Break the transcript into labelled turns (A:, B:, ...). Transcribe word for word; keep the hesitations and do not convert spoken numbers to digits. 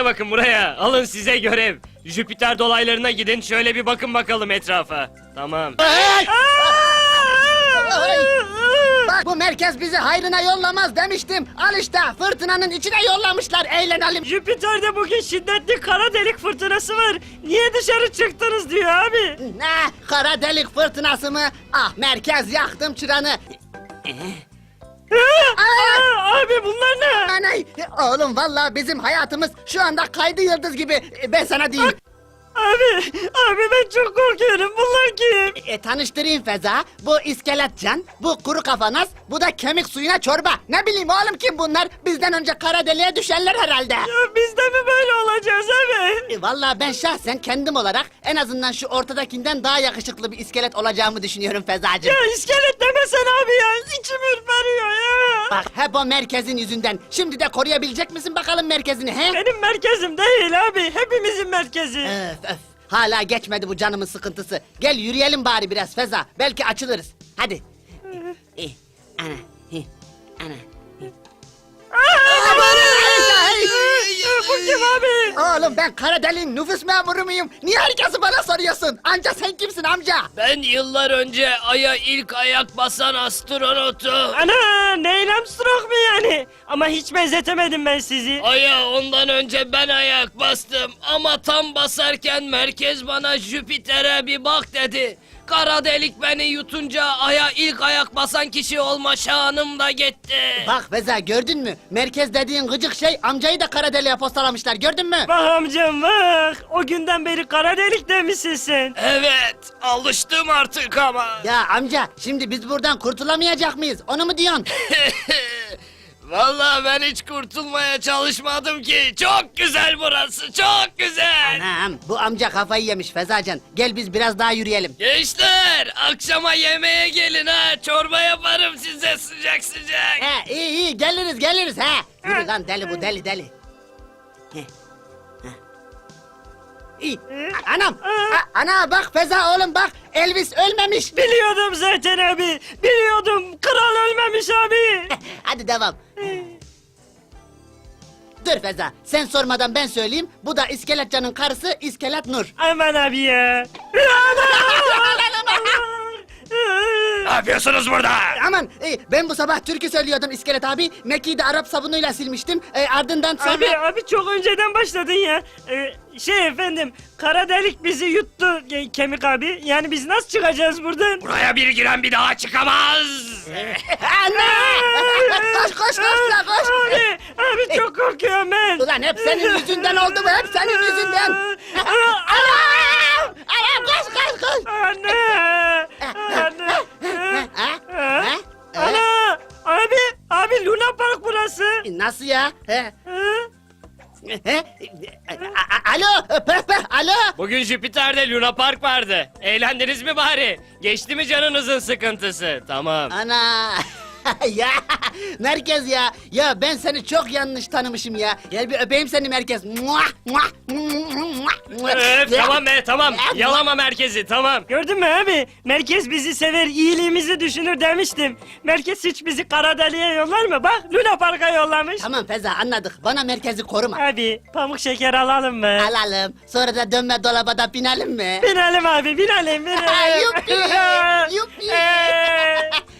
A: bakın buraya. Alın size görev. Jüpiter dolaylarına gidin, şöyle bir bakın bakalım etrafa. Tamam.
B: Ay! Ay! Bak bu merkez bizi hayrına yollamaz demiştim. Al işte fırtınanın içine yollamışlar, eğlenelim.
C: Jüpiter'de bugün şiddetli kara delik fırtınası var. Niye dışarı çıktınız diyor abi.
B: Ne? Kara delik fırtınası mı? Ah merkez yaktım çıranı.
C: Aa, abi bunlar ne?
B: Anay! Oğlum vallahi bizim hayatımız şu anda kaydı yıldız gibi. Ben sana diyeyim.
C: Abi, abi ben çok korkuyorum. Bunlar kim?
B: E, tanıştırayım Feza. Bu iskeletcan, bu kuru kafanas, bu da kemik suyuna çorba. Ne bileyim oğlum kim bunlar? Bizden önce kara deliğe düşenler herhalde.
C: Ya biz de mi böyle olacağız abi?
B: E, vallahi ben şahsen kendim olarak en azından şu ortadakinden daha yakışıklı bir iskelet olacağımı düşünüyorum Fezacığım.
C: Ya iskelet demesen abi ya. İçim ürperiyor ya.
B: Bak hep o merkezin yüzünden. Şimdi de koruyabilecek misin bakalım merkezini he?
C: Benim merkezim değil abi. Hepimizin merkezi.
B: Öf öf. Hala geçmedi bu canımın sıkıntısı. Gel yürüyelim bari biraz Feza. Belki açılırız. Hadi. Eh, eh, ana. eh, Ana. eh.
C: Bu kim abi?
B: Oğlum ben kara deliğin nüfus memuru muyum? Niye herkesi bana soruyorsun? Amca sen kimsin amca?
A: Ben yıllar önce Ay'a ilk ayak basan astronotum.
C: Ana Neil Armstrong mu yani? Ama hiç benzetemedim ben sizi.
A: Ay'a ondan önce ben ayak bastım. Ama tam basarken merkez bana Jüpiter'e bir bak dedi. Kara delik beni yutunca Ay'a ilk ayak basan kişi olma şanım da gitti.
B: Bak Feza gördün mü? Merkez dediğin gıcık şey amcayı da kara deliğe postalamışlar gördün mü?
C: Bak amcam bak. O günden beri kara delikte misin sen?
A: Evet, alıştım artık ama.
B: Ya amca şimdi biz buradan kurtulamayacak mıyız? Onu mu diyorsun?
A: Vallahi ben hiç kurtulmaya çalışmadım ki. Çok güzel burası, çok güzel.
B: Anam bu amca kafayı yemiş Fezacan. Gel biz biraz daha yürüyelim.
A: Gençler, akşama yemeğe gelin ha. Çorba yaparım size sıcak sıcak.
B: He iyi iyi geliriz geliriz he. Yürü lan deli bu deli deli. He. He. İyi. A- Anam. A- ana bak Feza oğlum bak. Elvis ölmemiş.
C: Biliyordum zaten abi. Biliyordum. Kral ölmemiş abi.
B: Hadi devam. Dur Feza sen sormadan ben söyleyeyim. Bu da İskeletcan'ın karısı İskelet Nur.
C: Aman abi ya.
A: Ne yapıyorsunuz burada?
B: Aman e, ben bu sabah türkü söylüyordum İskelet abi. Meki'yi de Arap sabunuyla silmiştim. E, ardından sonra...
C: Abi abi çok önceden başladın ya. Ee, şey efendim, kara delik bizi yuttu e, Kemik abi. Yani biz nasıl çıkacağız buradan?
A: Buraya bir giren bir daha çıkamaz.
B: Anne! koş koş koş la koş.
C: Abi, abi çok korkuyorum ben.
B: Ulan hep senin yüzünden oldu bu hep senin yüzünden. Anam! Anam koş koş koş.
C: Anne! Anne!
B: Ha?
C: Ha?
B: Ha?
C: Ana! Abi! Abi Luna Park burası.
B: E, Nasıl ya? He?
C: Ha?
B: He? A- a- Alo pöh pöh alo.
A: Bugün Jüpiter'de Luna Park vardı. Eğlendiniz mi bari? Geçti mi canınızın sıkıntısı? Tamam.
B: Ana. Ya merkez ya. Ya ben seni çok yanlış tanımışım ya. Gel bir öpeyim seni merkez. Muah, muah, muah.
A: Öf, tamam be tamam. Yalama merkezi tamam.
C: Gördün mü abi? Merkez bizi sever, iyiliğimizi düşünür demiştim. Merkez hiç bizi kara deliğe yollar mı? Bak Luna Park'a yollamış.
B: Tamam Feza anladık. Bana merkezi koruma.
C: Abi pamuk şeker alalım mı?
B: Alalım. Sonra da dönme dolaba da binelim mi?
C: Binelim abi binelim binelim.
B: Yuppi, yuppi.
C: Ee,